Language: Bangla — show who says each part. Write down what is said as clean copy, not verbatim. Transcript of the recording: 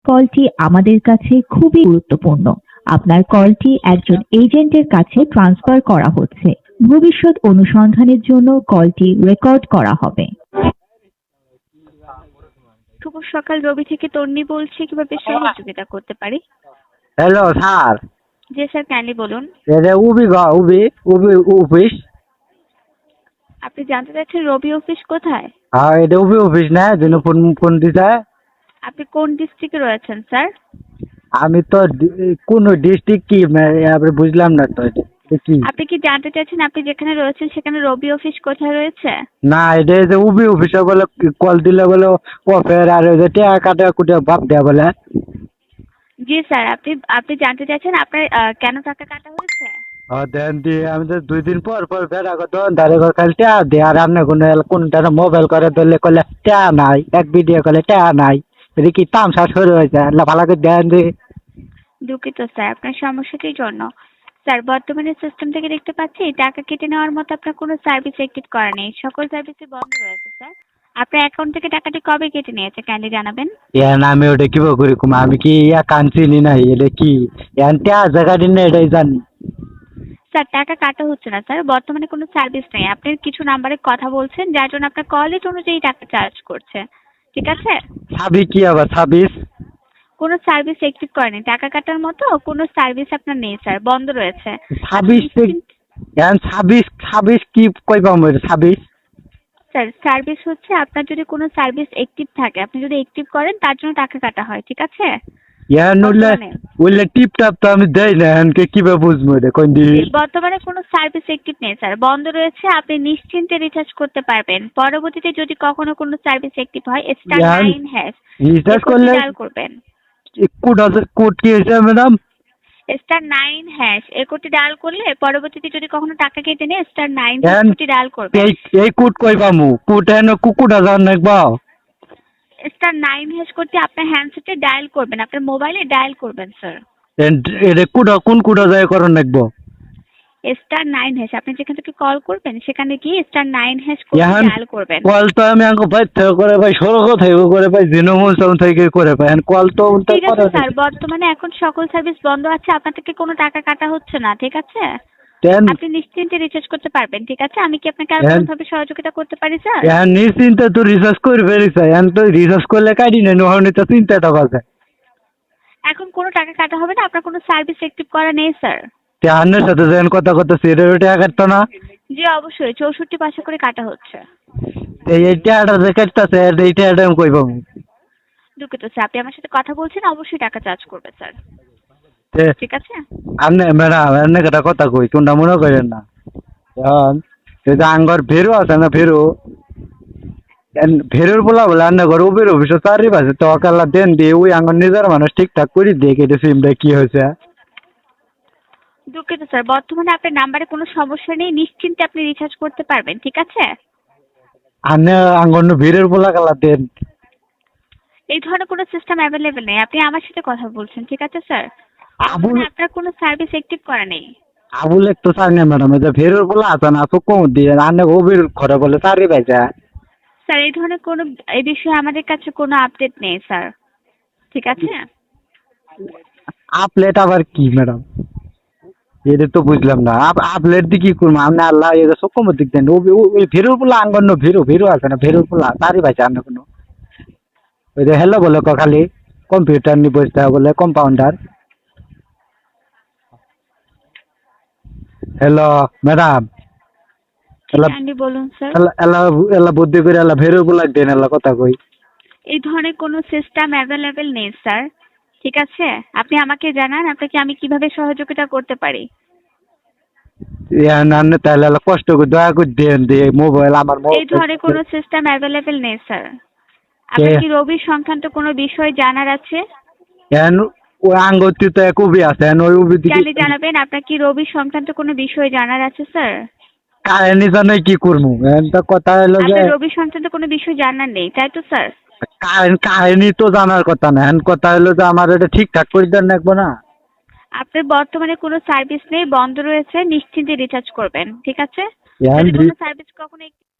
Speaker 1: কলটি আমাদের কাছে খুবই গুরুত্বপূর্ণ। আপনার কলটি একজন এজেন্টের কাছে ট্রান্সফার করা হচ্ছে। ভবিষ্যৎ অনুসন্ধানের জন্য কলটি রেকর্ড করা হবে।
Speaker 2: শুভ সকাল, রবি থেকে তন্নি বলছি। কিভাবে সহযোগিতা করতে পারি?
Speaker 3: হ্যালো স্যার,
Speaker 2: জি স্যার, কাইন্ডলি বলুন।
Speaker 3: এটা উবি অফিস।
Speaker 2: আপনি জানতে চাচ্ছেন রবি অফিস কোথায়?
Speaker 3: হ্যাঁ, এটা উবি অফিস না, যেন ফোন দিতে।
Speaker 2: আপনি কোন ডিস্ট্রিক্টে রয়েছেন স্যার?
Speaker 3: আমি তো কোন ডিস্ট্রিক্ট কি আপনি বুঝলাম না তো, এটা কি?
Speaker 2: আপনি কি জানতে চাচ্ছেন আপনি যেখানে রয়েছেন সেখানে রবি অফিস কোথায় রয়েছে?
Speaker 3: না, এটা যে উবি অফিসে বলে কল দিলে বলে অফের আর ওই যে টাকা কাটা কুটে ভাব দেয়া বলে।
Speaker 2: জি স্যার, আপনি আপনি জানতে চাচ্ছেন আপনার কেন টাকা কাটা হয়েছে?
Speaker 3: দেন দিয়ে আমি তো 2 দিন পর পর বেড়া করতো দাঁড়ে করে খালি টাকা দিয়ে, আর আপনি কোনটা মোবাইল করে ধরলে করলে টাকা নাই, এক ভিডিও করলে টাকা নাই। এটা কি তামসা শুরু হয়েছে? ভালো করে দেন দিয়ে।
Speaker 2: দুঃখিত স্যার আপনার সমস্যাটির জন্য। স্যার, বর্তমানে সিস্টেম থেকে দেখতে পাচ্ছি টাকা কেটে নেওয়ার মতো আপনার কোনো সার্ভিস অ্যাক্টিভ করা নেই। সকল সার্ভিসই বন্ধ রয়েছে স্যার। আপনার অ্যাকাউন্ট থেকে টাকাটি কবে কেটে নিয়েছে কাইন্ডলি জানাবেন?
Speaker 3: আমি ওটা কিভাবে করি কুমা, আমি কি কানছিলি নাই, এটা কি জায়গা দিন না, এটাই জানি।
Speaker 2: স্যার, টাকা কাটা হচ্ছে না স্যার, বর্তমানে কোনো সার্ভিস নেই। আপনি কিছু নাম্বারে কথা বলছেন যার জন্য আপনার কল রেট অনুযায়ী টাকা চার্জ করছে। ঠিক আছে?
Speaker 3: ছাবি কি আবার ছাব্বিশ?
Speaker 2: কোনো সার্ভিস অ্যাক্টিভ করেনি, টাকা কাটার মতো কোনো সার্ভিস আপনার নেই স্যার, বন্ধ রয়েছে।
Speaker 3: ছাব্বিশ ছাব্বিশ ছাব্বিশ কি কই পাবো ছাব্বিশ?
Speaker 2: স্যার, সার্ভিস হচ্ছে আপনার যদি কোনো সার্ভিস অ্যাক্টিভ থাকে, আপনি যদি অ্যাক্টিভ করেন তার জন্য টাকা কাটা হয়। ঠিক আছে?
Speaker 3: উল্লে টিপ টাপ তো আমি দেই না, এনকে কিভাবে বুঝবো এটা কোন দিন?
Speaker 2: বর্তমানে কোনো সার্ভিস অ্যাক্টিভ নেই স্যার, বন্ধ রয়েছে। আপনি নিশ্চিন্তে রিচার্জ করতে পারবেন। পরবর্তীতে যদি কখনো কোনো সার্ভিস অ্যাক্টিভ হয় *9#
Speaker 3: রিচার্জ করলে
Speaker 2: ডায়াল করবেন।
Speaker 3: কোড কি হয়েছে ম্যাডাম?
Speaker 2: *9# এই কোডটি ডায়াল করলে পরবর্তীতে যদি কখনো টাকা কেটে নেয় *9#
Speaker 3: And
Speaker 2: কোডটি ডায়াল করবেন।
Speaker 3: এই কোড কই পামু? কোড এন কুকুডা জান নাকবা?
Speaker 2: *9# কোডটি আপনার হ্যান্ডসেটে ডায়াল করবেন, আপনার মোবাইলে ডায়াল করবেন স্যার।
Speaker 3: এটা কুডা কোন কুডা যায় করন নাকবো?
Speaker 2: *9# আপনি যেখান থেকে কল করবেন সেখানে গিয়ে *9# কোডটি ডায়াল করবেন।
Speaker 3: কল তো আমি আঙ্কো ভাই থেকে করে ভাই সরক থেকে করে ভাই জিনোমন সাউন্ড থেকে করে ভাই কল তো উল্টা
Speaker 2: ঠিক আছে
Speaker 3: করে।
Speaker 2: স্যার, বর্তমানে এখন সকল সার্ভিস বন্ধ আছে, আপনার থেকে কোনো টাকা কাটা হচ্ছে না। ঠিক আছে?
Speaker 3: দেন
Speaker 2: আপনি নিশ্চিন্তে রিচার্জ করতে পারবেন। ঠিক আছে? আমি কি আপনাকে আর কোনোভাবে সহযোগিতা করতে পারি স্যার?
Speaker 3: নিশ্চিন্তে তো রিসার্চ করে ফেলিস, এখন তো রিসার্চ করলে কাটি না, নহনি তো চিন্তাটা বাজে।
Speaker 2: এখন কোনো টাকা কাটা হবে না, আপনার কোনো সার্ভিস অ্যাক্টিভ করা নেই স্যার।
Speaker 3: আন্নের সাথে যেন কথা কথা সিরিয়াল টাকা কাটতো না।
Speaker 2: জি অবশ্যই, 64 পয়সা করে কাটা হচ্ছে।
Speaker 3: এই টাকাটা যে কাটতেছে এই টাকাটা আমি কই পাবো?
Speaker 2: দুঃখিত স্যার, আপনি আমার সাথে কথা বলছেন, অবশ্যই টাকা চার্জ করবে স্যার। ঠিক আছে?
Speaker 3: আপনি ম্যাডাম এমনি একটা কথা কই, কোনটা মনে করেন না। এখন এই যে আঙ্গর ভেরু আছে না, ভেরুর বলা বলে আন্না ঘর উবের অফিসে চারি বাজে তো অকাল্লা দেন দিয়ে ওই আঙ্গর নিজের মানুষ ঠিকঠাক করে দিয়ে কেটে সিমটা কি হয়েছে।
Speaker 2: দুঃখিত স্যার, বর্তমানে আপনার নাম্বারে কোনো সমস্যা নেই, নিশ্চিন্তে আপনি রিচার্জ করতে পারবেন। ঠিক আছে?
Speaker 3: আন্না আঙ্গর ভেরুর বলা কালা দেন।
Speaker 2: এই ধরনের কোনো সিস্টেম অ্যাভেলেবেল নেই, আপনি আমার সাথে কথা বলছেন। ঠিক আছে স্যার?
Speaker 3: আবুল
Speaker 2: আপনার কোনো সার্ভিস অ্যাক্টিভ করা নেই।
Speaker 3: আবুল এক তো চাই না ম্যাডাম, এই যে ভেরুর বলা আছে না তো কম দিয়ে আন্না উবের ঘরে বলে চারি বাজে।
Speaker 2: স্যার, এই ধরনের কোনো এই বিষয়ে আমাদের কাছে কোনো আপডেট নেই স্যার। ঠিক আছে?
Speaker 3: আপলেট আবার কি ম্যাডাম? এটা তো বুঝলাম না। আপলেট দিয়ে কি করবো আপনি? আল্লাহ এটা সক্ষম দিক দেন। ওই ভেরুর পোলা আঙ্গন্ন ভেরু আছে না, ভেরুর পোলা তারই পাইছে আন্ন কোনো। ওই যে হ্যালো বলে খালি কম্পিউটার নিয়ে বসতে বলে কম্পাউন্ডার। হ্যালো ম্যাডাম,
Speaker 2: কাইন্ডলি বলুন স্যার।
Speaker 3: এলা বুদ্ধি করে এলা ভেরুর পোলা দেন, এলা কথা কই।
Speaker 2: এই ধরনের কোনো সিস্টেম অ্যাভেলেবেল নেই স্যার। ঠিক আছে? আপনি আমাকে জানান আপনাকে আমি কিভাবে সহযোগিতা করতে পারি।
Speaker 3: না তাহলে এলা কষ্ট করে দয়া করে দেন দিয়ে মোবাইল আমার
Speaker 2: এই ধরনের কোনো সিস্টেম অ্যাভেলেবেল নেই স্যার। আপনার কি রবির সংক্রান্ত কোনো বিষয় জানার আছে?
Speaker 3: ওই আঙ্গতি তো এক উবি আছে, ওই উবি
Speaker 2: জানি জানাবেন, আপনার কি রবির সংক্রান্ত কোনো বিষয় জানার আছে স্যার?
Speaker 3: কাহিনী জানাই কি করবো কথা হলো যে
Speaker 2: আপনার রবির সংক্রান্ত কোনো বিষয় জানার নেই, তাই তো স্যার?
Speaker 3: কাহিনী তো জানার কথা না, কথা হলো যে আমার এটা ঠিকঠাক করে দেন রাখবো না।
Speaker 2: আপনার বর্তমানে কোনো সার্ভিস নেই, বন্ধ রয়েছে, নিশ্চিন্তে রিচার্জ করবেন। ঠিক আছে?
Speaker 3: এখন
Speaker 2: যদি কোনো সার্ভিস কখনো